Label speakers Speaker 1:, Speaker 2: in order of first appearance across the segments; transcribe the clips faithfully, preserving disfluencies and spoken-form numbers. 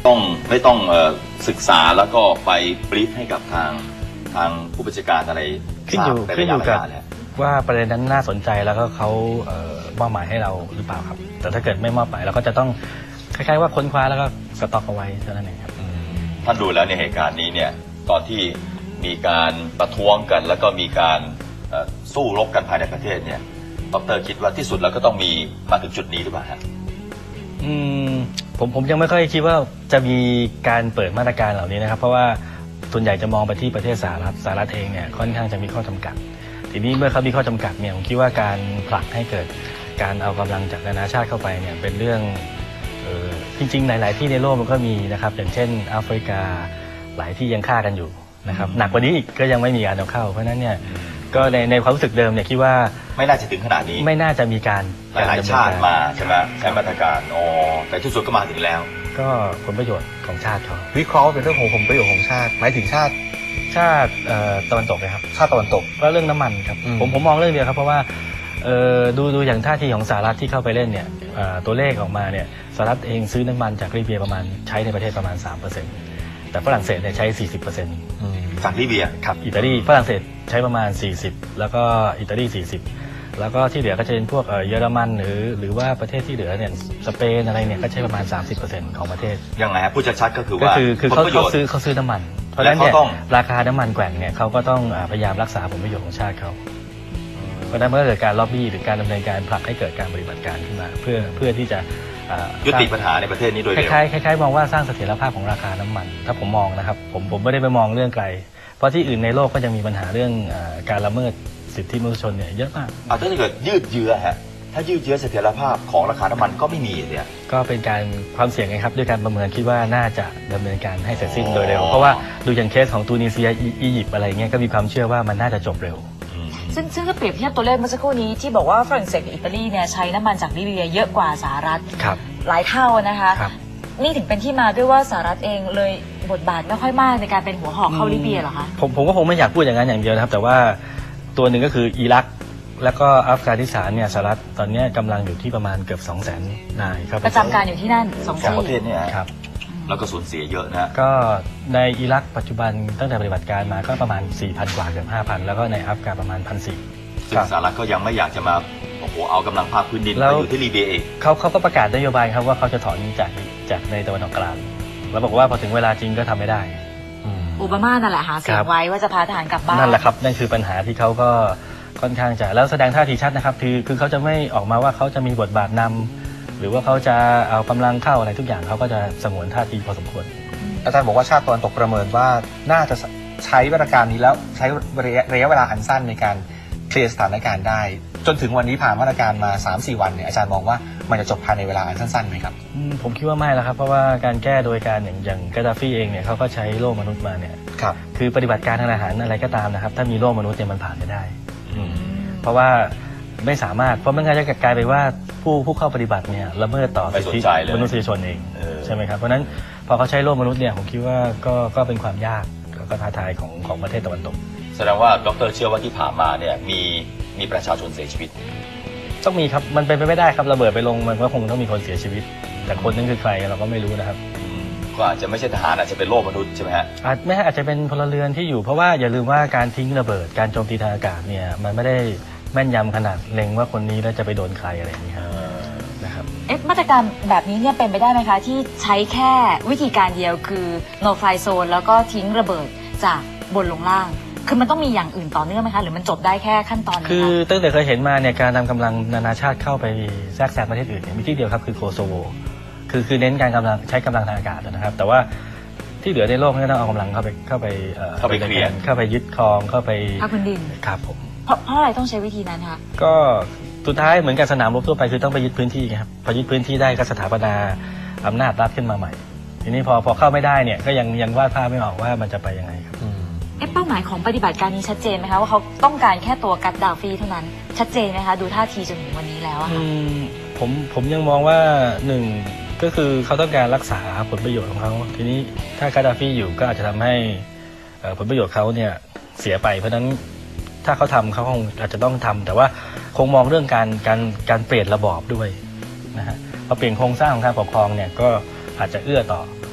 Speaker 1: ต้องไม่ต้องศึกษาแล้วก็ไปบรีฟให้กับทางทางผู้บัญชาการอะไร
Speaker 2: ขึ้นอยู่ขึ้นอยู่กับว่าประเด็นนั้นน่าสนใจแล้วก็เขามอบหมายให้เราหรือเปล่าครับแต่ถ้าเกิดไม่มอบหมายเราก็จะต้องคล้ายๆว่าค้นคว้าแล้วก็สต็อกเอาไว้เท่านั้นเองครับ
Speaker 1: ท่านดูแล้วในเหตุการณ์นี้เนี่ยตอนที่มีการประท้วงกันแล้วก็มีการสู้รบกันภายในประเทศเนี่ยดร.คิดว่าที่สุดแล้วก็ต้องมีมาถึงจุดนี้หรือเปล่าครับ
Speaker 2: อืมผมผมยังไม่ค่อยคิดว่าจะมีการเปิดมาตรการเหล่านี้นะครับเพราะว่าส่วนใหญ่จะมองไปที่ประเทศสหรัฐสหรัฐเองเนี่ยค่อนข้างจะมีข้อจำกัดทีนี้เมื่อเขามีข้อจำกัดเนี่ยผมคิดว่าการผลักให้เกิดการเอากำลังจากนานาชาติเข้าไปเนี่ยเป็นเรื่องเออจริงๆหลายๆที่ในโลกมันก็มีนะครับอย่างเช่นแอฟริกาหลายที่ยังฆ่ากันอยู่นะครับหนักกว่านี้อีกก็ยังไม่มีการเอาเข้าเพราะนั้นเนี่ยก็ในในความรู้สึกเดิมเนี่ยคิดว่า
Speaker 1: ไม่น่าจะถึงขนาดนี้
Speaker 2: ไม่น่าจะมีการ
Speaker 1: หลายชาติมาใช่ไหมใช้มาตรการอ๋อแต่ที่สุดก็มาถึงแล้ว
Speaker 2: ก็ผลประโยชน์ของชาติเขา
Speaker 3: วิเคราะห์เป็นเรื่องของผลประโยชน์ของชาติหมายถึงชาติ
Speaker 2: ชาติตะวันตกนะครับ
Speaker 3: ชาติตะวันตก
Speaker 2: ก็เรื่องน้ำมันครับผมผมมองเรื่องเดียวครับเพราะว่าดูดูอย่างท่าทีของสหรัฐที่เข้าไปเล่นเนี่ยตัวเลขออกมาเนี่ยสหรัฐเองซื้อน้ำมันจากลิเบียประมาณใช้ในประเทศประมาณ สามเปอร์เซ็นต์ แต่ฝรั่งเศสเนี่ยใช้ สี่สิบเปอร์เซ็นต์
Speaker 1: จากลิเบีย
Speaker 2: ครับอิตาลีฝรั่งเศสใช้ประมาณสี่สิบแล้วก็อิตาลีสี่สิบแล้วก็ที่เหลือก็จะเป็นพวกเยอรมันหรือหรือว่าประเทศที่เหลือเนี่ยสเปนอะไรเนี่ยก็ใช้ประมาณ สามสิบเปอร์เซ็นต์ ของประเทศ
Speaker 1: ยังไงฮะพูดชัดๆก็คือว่า
Speaker 2: ก็คือคือเขาเขาซื้อเขาซื้อน้ำมันเพราะฉะนั้นเนี่ยราคาน้ำมันแกว่งเนี่ยเขาก็ต้องพยายามรักษาผลประโยชน์ของชาติเขาเพราะฉะนั้นเมื่อเกิดการล็อบบี้หรือการดำเนินการผลักให้เกิดการปฏิบัติการขึ้นมาเพื่อเพื่อที่จะ
Speaker 1: ยุติปัญหาในประเทศนี้โดยเร็ว
Speaker 2: คล้ายๆคล้ายๆมองว่าสร้างเสถียรภาพของราคาน้ำมันถ้าผมมองนะครับผมผมไม่ได้ไปมองเรื่องไกลเพราะที่อื่นในโลกก็ยังมีปัญหาเรื่องการละเมิดสิทธิมนุษยชนเนี่ยเยอะมาก
Speaker 1: ถ้าเกิดยืดเยื้อฮะถ้ายืดเยื้อเสถียรภาพของราคาน้ำมันก็ไม่มีเนี่ย
Speaker 2: ก็เป็นการความเสี่ยงไงครับด้วยการประเมินคิดว่าน่าจะดำเนินการให้เสร็จสิ้นโดยเร็วเพราะว่าดูอย่างเคสของตูนิเซียอียิปต์อะไรเงี้ยก็มีความเชื่อว่ามันน่าจะจบเร็ว
Speaker 4: ซึ่งซึ่งถ้าเปรียบเทียบตัวเลขเมื่อสักครู่นี้ที่บอกว่าฝรั่งเศสกับอิตาลีเนี่ยใช้น้ำมันจากลิเบียเยอะกว่าสหรัฐหลายเท่านะคะนี่ถึงเป็นที่มาด้วยว่าสหรัฐเองเลยบทบาทไม่ค่อยมากในการเป็นหัวหอกเข้าลิเบียหรอคะ
Speaker 2: ผมผมก็คงไม่อยากพูดอย่างนั้นอย่างเดียวนะครับแต่ว่าตัวหนึ่งก็คืออิรักแล้วก็อัฟกานิสถานเนี่ยสหรัฐตอนนี้กำลังอยู่ที่ประมาณเกือบสองแสนนายครับ
Speaker 4: ประจำการอยู่ที่นั่นสอง
Speaker 1: ประเทศเนี่ยครับแล้วก็สูญเสียเยอะนะ
Speaker 2: ก็ในอิรักปัจจุบันตั้งแต่ปฏิบัติการมาก็ประมาณ สี่พัน กว่าเกือบ ห้าพัน แล้วก็ในอัฟกานประมาณ หนึ่งพันสี่ร้อย
Speaker 1: ซึ่งสหรัฐก็ยังไม่อยากจะมาโอ้โหเอากำลังภาคพื้นดินมาอยู่ที่ลิเบียเอง
Speaker 2: เขาเขาก็ประกาศนโยบายครับว่าเขาจะถอนจากจากในตะวันออกกลางแล้วบอกว่าพอถึงเวลาจริงก็ทำไม่ได้
Speaker 4: โอบามานั่นแหละหาเสียงไว้ว่าจะพาทหารกลับบ้าน
Speaker 2: นั่นแหละครับนั่นคือปัญหาที่เขาก็ค่อนข้างจะแล้วแสดงท่าทีชัดนะครับคือคือเขาจะไม่ออกมาว่าเขาจะมีบทบาทนำหรือว่าเขาจะเอากำลังเข้าอะไรทุกอย่างเขาก็จะสงวนท่าทีพอสมควร
Speaker 3: อาจารย์บอกว่าชาติตะวันตกประเมินว่าน่าจะใช้มาตรการนี้แล้วใช้ระยะระยะเวลาอันสั้นในการเคลียร์สถานการณ์ได้จนถึงวันนี้ผ่านมาตรการมา สามสี่ วันเนี่ยอาจารย์มองว่ามันจะจบภายในเวลาอันสั้นๆไหมครับ
Speaker 2: ผมคิดว่าไม่แล้วครับเพราะว่าการแก้โดยการอย่างอย่างกาดาฟีเองเนี่ยเขาก็ใช้โล่มนุษย์มาเนี่ย
Speaker 3: ครับ
Speaker 2: คือปฏิบัติการทางทหารอะไรก็ตามนะครับถ้ามีโล่มนุษย์เนี่ยมันผ่านไม่ได้เพราะว่าไม่สามารถเพราะมันก็จะกลายไปว่าผู้ผู้เข้าปฏิบัติเนี่ยละเมิดต่อสิทธิมนุษยชนเองใช่ไหมครับเพราะนั้นพอเขาใช้โล่มนุษย์เนี่ยผมคิดว่าก็ก็เป็นความยากแล้วก็ท้าทายของของประเทศตะวันตก
Speaker 1: แสดงว่าดร.เชื่อว่าที่ผ่านมาเนี่ยมีมีประชาชนเสียชีวิต
Speaker 2: ต้องมีครับมันเป็นไปไม่ได้ครับระเบิดไปลงมันก็คงต้องมีคนเสียชีวิตแต่คนนั้นคือใครเราก็ไม่รู้นะครับ
Speaker 1: ก็อาจจะไม่ใช่ทหารอาจจะเป็นโล่มนุษย์ใช่ไหมฮะ
Speaker 2: อาจไม่อาจจะเป็นพลเรือนที่อยู่เพราะว่าอย่าลืมว่าการทิ้งระเบิดการโจมตีทางอากาศเนี่ยมันไม่ได้แม่นยำขนาดเล็งว่าคนนี้แล้วจะไปโดนใครอะไรอย่างนี้ครับนะครับ
Speaker 4: เอ๊ะมาตรการแบบนี้เนี่ยเป็นไปได้ไหมคะที่ใช้แค่วิธีการเดียวคือ no fly zone แล้วก็ทิ้งระเบิดจากบนลงล่างคือมันต้องมีอย่างอื่นต่อเนื่องไหมคะหรือมันจบได้แค่ขั้นตอนนี้
Speaker 2: คือตั้งแต่เคยเห็นมาเนี่ยการนำกำลังนานาชาติเข้าไปแทรกแซงประเทศอื่นเนี่ยมีที่เดียวครับคือโคโซโวคือคือเน้นการกำลังใช้กำลังทางอากาศนะครับแต่ว่าที่เหลือในโลกนี่ต้องเอากำลังเข้าไปเข้าไป
Speaker 1: เข้าไปเคลียร์
Speaker 2: เข้าไปยึดครองเข้าไป
Speaker 4: ภาคพื้นดิน
Speaker 2: ครับผม
Speaker 4: เพราะเพราะอะไรต้องใช้วิธีนั้นคะ
Speaker 2: ก็สุดท้ายเหมือนกับสนามรบทั่วไปคือต้องไปยึดพื้นที่ครับพอยึดพื้นที่ได้ก็สถาปนาอำนาจรัฐขึ้นมาใหม่ทีนี้พอพอเข้าไม่ได้เนี่ยก็ยังยังวาดภาพไม่ออกว่ามันจะไปยังไงครับ
Speaker 4: เอ๊ะเป้าหมายของปฏิบัติการนี้ชัดเจนไหมคะว่าเขาต้องการแค่ตัวกัดดาฟีเท่านั้นชัดเจนไหมคะดูท่าทีจนถึงวันนี้แล้วอะค่ะ
Speaker 2: ผมผมยังมองว่าหนึ่งก็คือเขาต้องการรักษาผลประโยชน์ของเขาทีนี้ถ้ากัดดาฟีอยู่ก็อาจจะทำให้ผลประโยชน์เขาเนี่ยเสียไปเพราะฉะนั้นถ้าเขาทำเขาคงอาจจะต้องทำแต่ว่าคงมองเรื่องการการการเปลี่ยนระบอบด้วยนะฮะพอเปลี่ยนโครงสร้างของการปกครองเนี่ยก็อาจจะเอื้อต่อ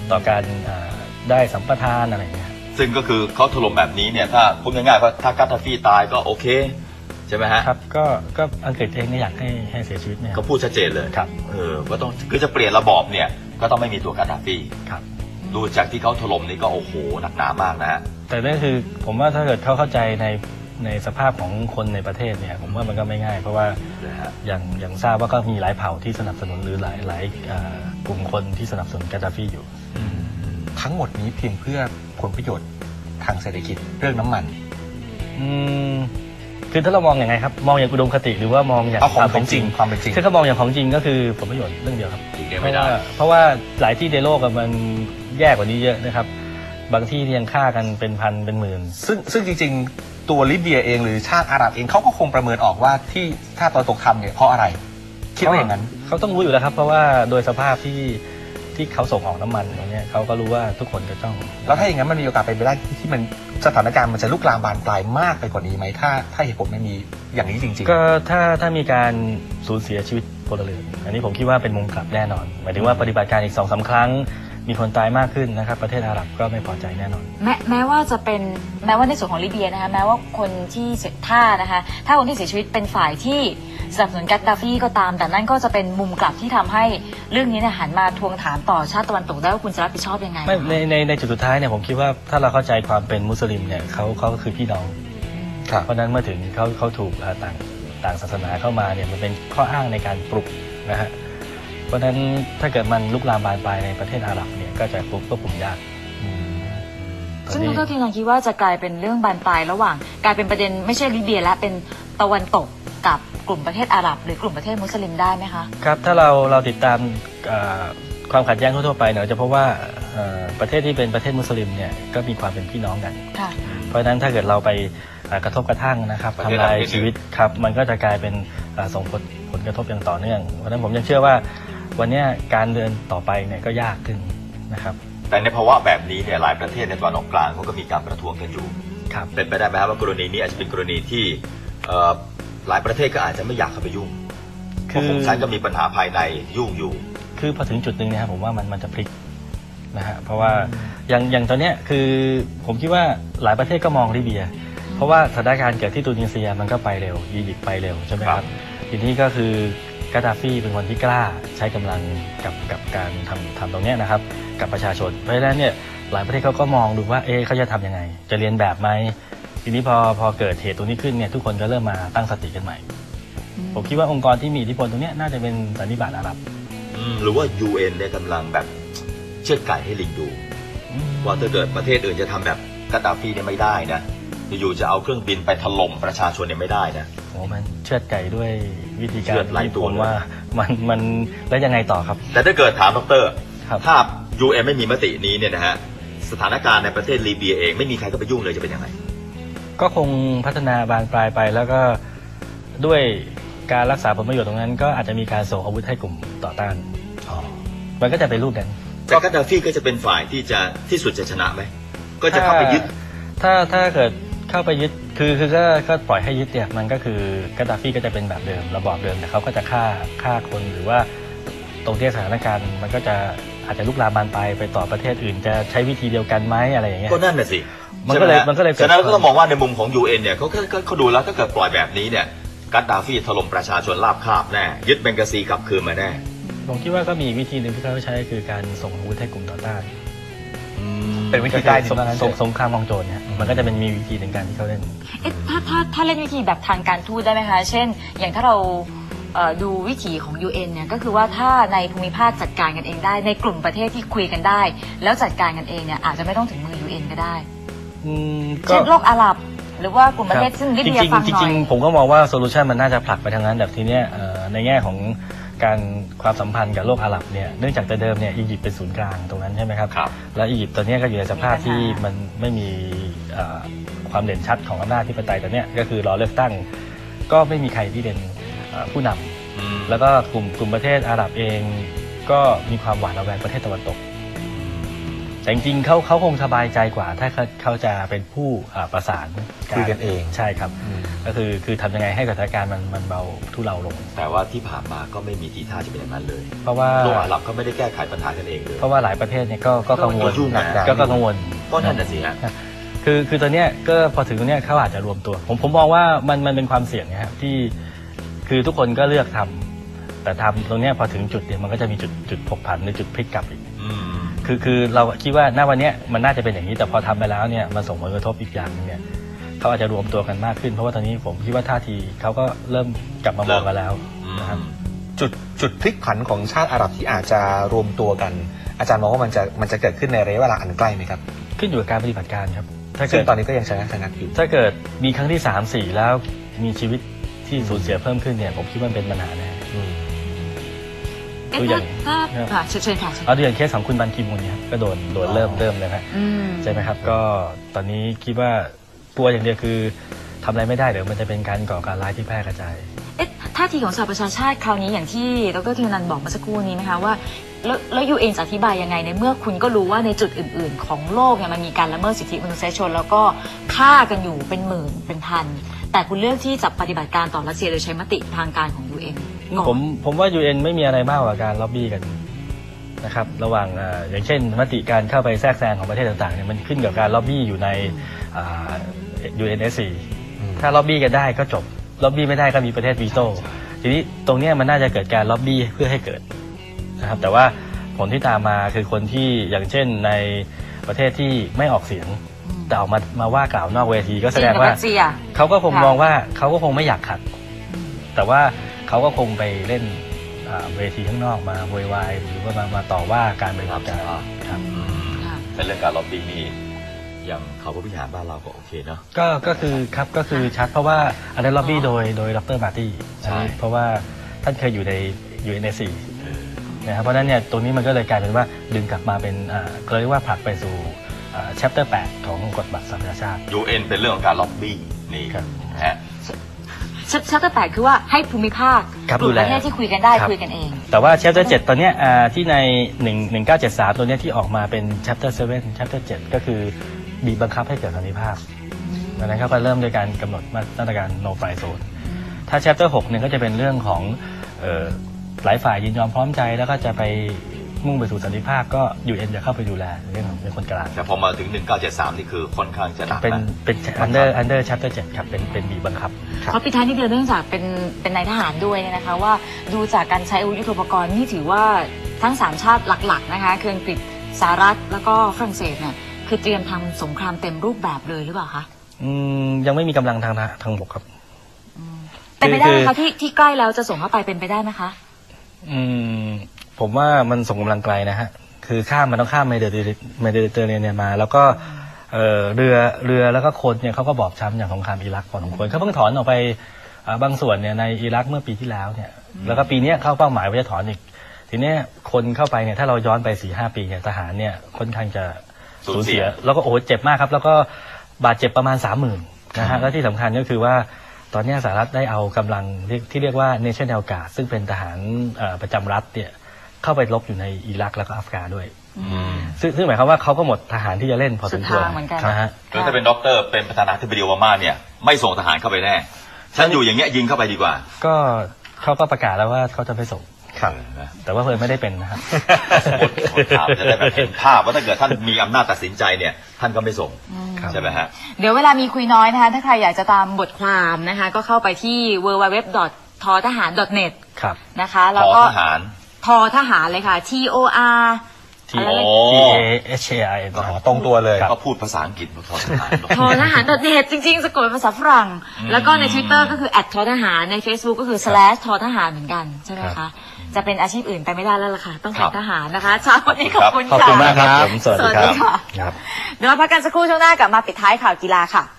Speaker 2: ต่อการอ่าได้สัมปทานอะไรอย่างเงี้ย
Speaker 1: ซึ่งก็คือเขาถล่มแบบนี้เนี่ยถ้าพูดง่ายๆก็ถ้ากาตาฟีตายก็โอเคใช่ไหมฮะ
Speaker 2: ครับก็ก็อังกฤษเองเนี่ยอยากให้ให้เสียชีวิตเนี่ย
Speaker 1: เขาพูดชัดเจนเลย
Speaker 2: ครับ
Speaker 1: เออก็ต้องคือจะเปลี่ยนระบอบเนี่ยก็ต้องไม่มีตัวกาตาฟี
Speaker 2: ครับ
Speaker 1: ดูจากที่เขาถล่มนี่ก็โอ้โหหนักหนามากนะฮะ
Speaker 2: แต่นั่นคือผมว่าถ้าเกิดเขาเข้าใจในในสภาพของคนในประเทศเนี่ยผมว่ามันก็ไม่ง่าย เพราะว่า
Speaker 1: นะฮะ
Speaker 2: อย่างอย่างทราบว่าก็มีหลายเผ่าที่สนับสนุนหรือหลายหลายอ่ากลุ่มคนที่สนับสนุนกาดาฟีอยู่
Speaker 3: ทั้งหมดนี้เพียงเพื่อผลประโยชน์ทางเศรษฐกิจเรื่องน้ำมัน
Speaker 2: อืมคือถ้าเรามองอย่างไงครับมองอย่างอุดมคติหรือว่ามองอย่าง
Speaker 3: เอาข
Speaker 2: ค
Speaker 3: อง
Speaker 2: วาม
Speaker 3: ข
Speaker 2: เป็
Speaker 3: อน ง
Speaker 2: จ
Speaker 3: จ
Speaker 2: ริ
Speaker 3: ริ
Speaker 2: ง
Speaker 3: งความเป็นจริง
Speaker 2: คือถ้ามองอย่างของจริงก็คือผลประโยชน์เรื่องเดียวครับ
Speaker 1: จริงๆ
Speaker 2: เพ
Speaker 1: ไม่
Speaker 2: ราะ
Speaker 1: ได้
Speaker 2: ว่าเพราะว่าหลายที่ในโลกอะมันแย่กว่านี้เยอะนะครับ บางที่ยังฆ่ากันเป็นพันเป็นหมื่น
Speaker 3: ซึ่งซึ่งจริงๆ ตัวลิเบียเองหรือชาติอาหรับเองเขาก็คงประเมินออกว่าที่ชาติตะวันตกทำเนี่ยเพราะอะไร คิดว่าอย่างนั้น
Speaker 2: เขาต้องรู้อยู่แล้วครับ เพราะว่าโดยสภาพที่ที่เขาส่งออกน้ำมันตรงนี้ยเขาก็รู้ว่าทุกคนจะต้อง
Speaker 3: แล้วถ้าอย่างนั้นมันมีโอกาสเป็นไปได้ที่มันสถานการณ์มันจะลุกลามบานปลายมากไปกว่านี้ไหมถ้าถ้าเหตุผลไม่มีอย่างนี้จริงๆ
Speaker 2: ก็ถ้าถ้ามีการสูญเสียชีวิตพลเรือนอันนี้ผมคิดว่าเป็นมุมกลับแน่นอนหมายถึงว่าปฏิบัติการอีกสองสาครั้งมีคนตายมากขึ้นนะครับประเทศอาหรับก็ไม่พอใจแน่นอน
Speaker 4: แม้แม้ว่าจะเป็นแม้ว่าในส่วนของลิเบียนะคะแม้ว่าคนที่เสียท่านะคะถ้าคนที่เสียชีวิตเป็นฝ่ายที่สนับสนุนกัดดาฟีก็ตาม แต่นั่นก็จะเป็นมุมกลับที่ทำให้เรื่องนี้เนี่ยหันมาทวงถามต่อชาติตะวันตกได้ว่าคุณจะรับผิดชอบยังไง
Speaker 2: ไม่ในในในจุดสุดท้ายเนี่ยผมคิดว่าถ้าเราเข้าใจความเป็นมุสลิมเนี่ยเขาเขาก็คือพี่น้อง
Speaker 3: ครับ
Speaker 2: เพราะฉะนั้นเมื่อถึงเขาเขาถูกอ่าต่างต่างศาสนาเข้ามาเนี่ยมันเป็นข้ออ้างในการปลุกนะฮะเพราะฉะนั้นถ้าเกิดมันลุกลามบานปลายในประเทศอาหรับเนี่ยก็จะควบควบคุมยากตอน
Speaker 4: ซึ่ง
Speaker 2: นี้
Speaker 4: ดรทีนันคิดว่าจะกลายเป็นเรื่องบานปลายระหว่างกลายเป็นประเด็นไม่ใช่ลิเบียและเป็นตะวันตกกับกลุ่มประเทศอาหรับหรือกลุ่มประเทศมุสลิมได้ไหมคะ
Speaker 2: ครับถ้าเราเราติดตามอ่าความขัดแย้งทั่วๆไปเนี่ยเราจะพบว่าเอ่อประเทศที่เป็นประเทศมุสลิมเนี่ยก็มีความเป็นพี่น้องกัน
Speaker 4: ค่ะ
Speaker 2: เพราะฉะนั้นถ้าเกิดเราไปอ่ากระทบกระทั่งนะครับ
Speaker 1: ประเทศ
Speaker 2: ทำลาย
Speaker 1: เราเป็น
Speaker 2: ชีวิตครับมันก็จะกลายเป็นอ่าส่งผลผลกระทบอย่างต่อเนื่องเพราะฉะนั้นผมยังเชื่อว่าวันเนี้ยการเดินต่อไปเนี่ยก็ยากขึ้นนะครับ
Speaker 1: แต่ในภาวะแบบนี้เนี่ยหลายประเทศในตะวันออกกลางเขาก็มีการประท้วงกันอยู่
Speaker 2: ครับ
Speaker 1: เป็นไปได้ไหมครับว่ากรณีนี้อาจจะเป็นกรณีที่เอ่อหลายประเทศก็อาจจะไม่อยากเข้าไปยุ่งเพ
Speaker 2: คือ
Speaker 1: ราะของฉันก็มีปัญหาภายในยุ่งอยู่
Speaker 2: คือพอถึงจุดหนึ่งเนะครับผมว่ามันมันจะพลิกนะฮะเพราะว่าอย่างอย่างตอนเนี้ยคือผมคิดว่าหลายประเทศก็มองลิเบีย เพราะว่าสถานการณ์เกิดที่ตูนิเซียมันก็ไปเร็วอียิปต์ไปเร็วใช่ไหมค
Speaker 1: ครั
Speaker 2: รับบ ทีนี้ก็คือกาดาฟีเป็นคนที่กล้าใช้กำลังกับกับการทำทำตรงเนี้ยนะครับกับประชาชนเพราะฉะนั้นเนี่ยหลายประเทศเขาก็มองดูว่าเอ๊ะเขาจะทำยังไง จะเรียนแบบไหมทีนี้พอพอเกิดเหตุตรงนี้ขึ้นเนี่ยทุกคนก็เริ่มมาตั้งสติกันใหม่ ผมคิดว่าองค์กรที่มีอิทธิพลตรงเนี้ยน่าจะเป็นสันนิบาตอาหรับ
Speaker 1: อืมหรือว่า ยู เอ็น เนี่ยกำลังแบบเชือดไก่ให้ลิงดู ว่าถ้าเกิดประเทศอื่นจะทำแบบกาดาฟีเนี่ยไม่ได้นะอยู่ๆจะเอาเครื่องบินไปถล่มประชาชนเนี่ยไม่ได้นะ
Speaker 2: โอ้มันเชือดไก่ด้วยวิธีการ
Speaker 1: เชือดหลาย
Speaker 2: ที่
Speaker 1: ตัว
Speaker 2: ผมว่ามันมันแล้วยังไงต่อครับ
Speaker 1: แต่ถ้าเกิดถามดร
Speaker 2: ครับ
Speaker 1: ถ้า ยู เอ็น ไม่มีมตินี้เนี่ยนะฮะสถานการณ์ในประเทศลิเบียเองไม่มีใครก็ไปยุ่งเลยจะเป็นยังไง
Speaker 2: ก็คงพัฒนาบานปลายไปแล้วก็ด้วยการรักษาผลประโยชน์ตรงนั้น ก็อาจจะมีการส่งอาวุธให้กลุ่มต่อต้าน มันก็จะเป็นรูปนั้น
Speaker 1: แต่กาดาฟีก็จะเป็นฝ่ายที่จะที่สุดจะชนะไหมก็จะเข้าไปยึด
Speaker 2: ถ้าถ้าเกิดเข้าไปยึดคือคือก็ก็ปล่อยให้ยึดเนี่ยมันก็คือกาดาฟีก็จะเป็นแบบเดิมระบอบเดิมแต่เขาก็จะฆ่าฆ่าคนหรือว่าตรงที่สถานการณ์มันก็จะอาจจะลุกลามบานปลายไปต่อประเทศอื่น จะใช้วิธีเดียวกันไหมอะไรอย่างเงี้ย
Speaker 1: ก็นั่นน่ะสิ
Speaker 2: มันก็เลย
Speaker 1: ใช่ไหฮะ
Speaker 2: มันก็เลยเกิด
Speaker 1: ฉะนั้นเราก็ต้องมองว่าในมุมของ ยู เอ็น เนี่ยเขาก็ก็เขาดูแล้วถ้าเกิดปล่อยแบบนี้เนี่ยกาดาฟีถล่มประชาชนราบคาบแน่ยึดเบงกาซีกลับคืนมาแน่
Speaker 2: ผมคิดว่าก็มีวิธีหนึ่งที่เขาใช้คือการส่งอาวุธให้กลุ่มต่อต้าน
Speaker 3: เป็นวิธีได้
Speaker 2: สง
Speaker 3: ดีมากนะ
Speaker 2: สงสงครามกองโจรเนี่ยมันก็จะเป็นมีวิธีหนึ่งการที่เขาเล่น
Speaker 4: เอ๊ะถ้าถ้าถ้าเล่นวิธีแบบทางการทูตได้ไหมคะ เช่น อย่างถ้าเราเอ่อดูวิถีของ ยู เอ็น เนี่ยก็คือว่าถ้าในภูมิภาคจัดการกันเองได้ ในกลุ่มประเทศที่คุยกันได้ แล้วจัดการกันเองเนี่ยอาจจะไม่ต้องถึงมือ ยู เอ็น ก็ได้
Speaker 2: อืม
Speaker 4: เช่นโลกอาหรับ หรือว่ากลุ่มประเทศซึ่งลิ
Speaker 2: จ
Speaker 4: เบีย
Speaker 2: ริง
Speaker 4: ฟัง
Speaker 2: ๆ
Speaker 4: ห
Speaker 2: จ
Speaker 4: น่อ
Speaker 2: ริง
Speaker 4: ย
Speaker 2: ๆผมก็มองว่าโซลูชันมันน่าจะผลักไปทางนั้นแบบทีเนี้ยเอ่อในแง่ของการความสัมพันธ์กับโลกอาหรับเนี่ยเนื่องจากแต่เดิมเนี่ยอียิปต์เป็นศูนย์กลางตรงนั้นใช่ไหมครับ
Speaker 1: ครับ
Speaker 2: แล้วอียิปต์ตอนเนี้ยก็อยู่ในสภาพที่มันไม่มีเอ่อความเด่นชัดของอำนาจที่ปไตยตอนเนี้ยก็คือรอเลือกตั้ง ก็ไม่มีใครที่เป็นเอ่อผู้นำ
Speaker 1: อืม
Speaker 2: แล้วก็กลุ่มกลุ่มประเทศอาหรับเองก็มีความหวาดระแวงประเทศตะวันตกแต่จริงๆเขาเขาคงสบายใจกว่า ถ้าเขาเขาจะเป็นผู้อ่าประสาน
Speaker 3: คุยกันเอง
Speaker 2: ใช่ครับ ก็คือคือทำยังไงให้สถานการณ์มันมันเบาทุเลาลง
Speaker 1: แต่ว่าที่ผ่านมาก็ไม่มีทีท่าจะเป็นอย่างนั้นเลย
Speaker 2: เพราะว่า
Speaker 1: โลกอาหรับก็ไม่ได้แก้ไขปัญหากันเองเลย
Speaker 2: เพราะว่าหลายประเทศเนี่ยก็ก็กังวล
Speaker 1: ก็ยุ่งหนัก
Speaker 2: ก็ก็กังวล
Speaker 1: ก็นั่นน่ะสิฮะ
Speaker 2: คือคือตอนเนี้ยก็พอถึงตรงเนี้ยเขาอาจจะรวมตัว ผมผมมองว่ามันมันเป็นความเสี่ยงนะครับที่คือทุกคนก็เลือกทำแต่ทำตรงเนี้ยพอถึงจุดเนี่ยมันก็จะมีจุดจุดผกผันหรือจุดพลิกกลับอีก
Speaker 1: อืม
Speaker 2: คือคือเราคิดว่าณวันเนี้ยมันน่าจะเป็นอย่างนี้แต่พอทำไปแล้วเนี่ยมันส่งผลกระทบอีกอย่างหนึงเนี่ยเขาอาจจะรวมตัวกันมากขึ้น เพราะว่าตอนนี้ผมคิดว่าท่าทีเขาก็เริ่มกลับมามองกันแล้วนะครับ
Speaker 3: จุดจุดพลิกผันของชาติอาหรับที่อาจจะรวมตัวกัน อาจารย์มองว่ามันจะมันจะเกิดขึ้นในระยะเวลาอันใกล้ไหมครับ
Speaker 2: ขึ้นอยู่กับการปฏิบัติการครับถ้า
Speaker 3: ซึ่
Speaker 2: เกิ
Speaker 3: ง
Speaker 2: ด
Speaker 3: ตอนนี้ก็ยังชนะชนะอยู่
Speaker 2: ถ้าเกิดมีครั้งที่สามสี่แล้วมีชีวิตที่สูญเสียเพิ่มขึ้นเนี่ยผมคิดว่ามันเป็นปัญหาแน่
Speaker 3: อืม
Speaker 4: เอ๊ะ
Speaker 2: ตัวอย่า
Speaker 4: ถ้าง ค่ะเชิญเชิญค่ะเชิญ
Speaker 2: เอาเดือนเคสของคุณบันคีมูลเนี่ยครับก็โดนโดนเริ่มเริ่มเลยครับ
Speaker 4: อืม
Speaker 2: ใช่ไหมครับก็ตอนนี้คิดว่ากลัวอย่างเดียวคือทำอะไรไม่ได้เดี๋ยวมันจะเป็นการก่อการร้ายที่แพร่กระจาย
Speaker 4: เอ๊ะท่าทีของสหประชาชาติคราวนี้อย่างที่ดรธีรนันท์บอกเมื่อสักครู่นี้ไหมคะว่าแล้วแล้วยูเอ็นจะอธิบายยังไงในเมื่อคุณก็รู้ว่าในจุดอื่น ๆ ของโลกเนี่ยมันมีการละเมิดสิทธิมนุษยชน แล้วก็ฆ่ากันอยู่เป็นหมื่นเป็นพันแต่คุณเลือกที่จะปฏิบัติการต่อรัสเซียโดยใช้มติทางการของ ยู เอ็น ก่อน
Speaker 2: ผมผมว่า ยู เอ็น ไม่มีอะไรมากกว่าการล็อบบี้กันนะครับระหว่างอ่าอย่างเช่นมติการเข้าไปแทรกแซงของประเทศต่างๆเนี่ยมันขึ้นกับการล็อบบี้อยู่ในอ่า ยู เอ็น เอส ซี ถ้าล็อบบี้กันได้ก็จบล็อบบี้ไม่ได้ก็มีประเทศวีโต้ทีนี้ตรงเนี้ยมันน่าจะเกิดการล็อบบี้เพื่อให้เกิดนะครับแต่ว่าผลที่ตามมาคือคนที่อย่างเช่นในประเทศที่ไม่ออกเสียงแต่ออกมามาว่ากล่าวนอกเวทีก็แสดงว่า
Speaker 4: จีนกับรัสเซีย
Speaker 2: เขาก็คง
Speaker 4: ค่ะ
Speaker 2: มองว่าเขาก็คงไม่อยากขัด แต่ว่าเขาก็คงไปเล่นอ่าเวทีข้างนอกมาโวยวายหรือว่ามามาต่อว่าการบริหารการครับ
Speaker 4: ค่ะ
Speaker 1: ในเรื่องการล็อบบี้นี่อย่างเขาก็พิหารบ้านเราก็โอเคเนาะ
Speaker 2: ก็ก็คือครับก็คือชัดเพราะว่าอันนั้นล็อบบี้โดยโดยดรมาร์ตี้
Speaker 1: ใช่
Speaker 2: เพราะว่าท่านเคยอยู่ใน ยู เอ็น เอส ซี นะครับเพราะฉะนั้นเนี่ยตรงนี้มันก็เลยกลายเป็นว่าดึงกลับมาเป็นอ่าเขาเรียกว่าผลักไปสู่อ่า chapter แปดของกฎบัตรสหประชาชาติ
Speaker 1: ยู เอ็น เป็นเรื่องของการล็อบบี้นี่
Speaker 2: ครับ
Speaker 1: นะฮะ
Speaker 4: ชัตเตอร์แปดคือว่าให้ภูมิภาค
Speaker 2: ครับ
Speaker 4: กลุ่
Speaker 2: ดู
Speaker 4: ม
Speaker 2: แล
Speaker 4: ประเทศที่คุยกันได้
Speaker 2: ครับ
Speaker 4: คุยกันเอง
Speaker 2: แต่ว่า chapter เจ็ดตอนเนี้ยอ่าที่ในหนึ่ง หนึ่งเก้าเจ็ดสามตัวเนี้ยที่ออกมาเป็น chapter เจ็ด chapter เจ็ดก็คือบีบบังคับให้เกิดสันติภาพดังนั้นเขาก็เริ่มโดยการกำหนดมาตรการ no fly zone ถ้า chapter หกเนี่ยก็จะเป็นเรื่องของเอ่อหลายฝ่ายยินยอมพร้อมใจแล้วก็จะไปมุ่งไปสู่สันติภาพก็ ยู เอ็น จะเข้าไปดูแลเรื่องของเป็นคนกลาง
Speaker 1: แต่พอมาถึงหนึ่งเก้าเจ็ดสามนี่คือค่อนข้างจะหนัก
Speaker 2: เป็น
Speaker 1: นะ
Speaker 2: เป็น under under chapter เจ็ดครับเป็นเป็นบีบบังคับ
Speaker 4: เพราะปิดท้ายนิดเดียวเนื่องจากเป็นเป็นนายทหารด้วยเนี่ยนะคะว่าดูจากการใช้อาวุธยุทโธปกรณ์นี่ถือว่าทั้งสามชาติหลักๆนะคะคืออังกฤษสหรัฐแล้วก็ฝรั่งเศสเนี่ยคือเตรียมทำสงครามเต็มรูปแบบเลยหรือเปล่าคะ
Speaker 2: อืมยังไม่มีกำลังทางทางบกครับ
Speaker 4: เป็นไปได้ไหม
Speaker 2: คือ
Speaker 4: คะที่ที่ใกล้แล้วจะส่งเข้าไปเป็นไปได้ไหมคะ
Speaker 2: อืมผมว่ามันส่งกำลังไกลนะฮะคือข้ามมันต้องข้ามเมดิเตอร์เมดิเตอร์เรเนียนมา แล้วก็เอ่อเรือเรือแล้วก็คนเนี่ยเขาก็บอบช้ำอย่างสงครามอิรักพอสมควรเขาเพิ่งถอนออกไปอ่าบางส่วนเนี่ยในอิรักเมื่อปีที่แล้วเนี่ยแล้วก็ปีเนี้ยเข้าเป้าหมายว่าจะถอนอีกทีเนี้ยคนเข้าไปเนี่ยถ้าเราย้อนไปสี่ห้าปีเนี่ยทหารเนี่ยค่อนข้างจะสูญเสียแล้วก็โอ้โหเจ็บมากครับ แล้วก็บาดเจ็บประมาณสามหมื่นนะฮะแล้วที่สำคัญก็คือว่าตอนนี้สหรัฐได้เอากำลังที่ที่เรียกว่า National Guard ซึ่งเป็นทหารเอ่อประจำรัฐเนี่ยเข้าไปรบอยู่ในอิรักแล้วก็อัฟกานด้วย
Speaker 1: อืม
Speaker 2: ซึ่งซึ่งหมายความว่าเขาก็หมดทหารที่จะเล่นพอสมควร
Speaker 4: สุดทางเหมือนกัน
Speaker 2: นะฮะ
Speaker 1: คือถ้าเป็นด็อกเตอร์เป็นประธานาธิบดีโอบามาเนี่ยไม่ส่งทหารเข้าไปแน่ฉันอยู่อย่างเงี้ยยิงเข้าไปดีกว่า
Speaker 2: ก็เขาก็ประกาศแล้วว่าเขาจะไปส่ง
Speaker 3: ครับ
Speaker 2: แต่ว่าเพิ่นไม่ได้เป็นนะครับ
Speaker 1: คนคนถามจะได้แบบเห็นภาพว่าถ้าเกิดท่านมีอำนาจตัดสินใจเนี่ยท่านก็ไม่ส่ง
Speaker 2: ครับ
Speaker 1: ใช่ไหมฮะ
Speaker 4: เดี๋ยวเวลามีคุยน้อยนะคะถ้าใครอยากจะตามบทความนะคะก็เข้าไปที่ ดับเบิลยู ดับเบิลยู ดับเบิลยู ดอท ทอทหาร ดอท เน็ต
Speaker 2: ครับ
Speaker 4: นะคะแล้ว
Speaker 1: ขอ
Speaker 4: ก็
Speaker 1: ทหาร
Speaker 4: ทอทหารเลยค่ะ T O R
Speaker 2: T
Speaker 1: โอ้
Speaker 2: T A H A R N
Speaker 3: อ๋อตรงตัวเลย
Speaker 1: ก็พูดภาษาอังกฤษมาขอทหาร
Speaker 4: ทอทหาร ดอท เน็ต จริงๆสะกดเป็นภาษาฝรั่ง แล้วก็ใน Twitter ก็คือ แอท ทอทหารใน Facebook ก็คือ สแลช ทอทหารเหมือนกันใช่ไหม
Speaker 2: ครั
Speaker 4: คะ
Speaker 2: บ
Speaker 4: จะเป็นอาชีพอื่นไปไม่ได้แล้วล่ะค่ะ ต้อง
Speaker 1: ครั
Speaker 4: เป็น
Speaker 1: บ
Speaker 4: ทหารนะคะเช้าวันนี้ขอบคุณ
Speaker 2: ขอบ
Speaker 4: ค่ะ
Speaker 2: คุณมากครับผมสวัสดีค
Speaker 4: สวัสดี
Speaker 2: รับ
Speaker 4: ค่ะ
Speaker 2: ครับ
Speaker 4: เดี๋ยวเราพักกันสักครู่ช่วงหน้ากลับมาปิดท้ายข่าวกีฬาค่ะ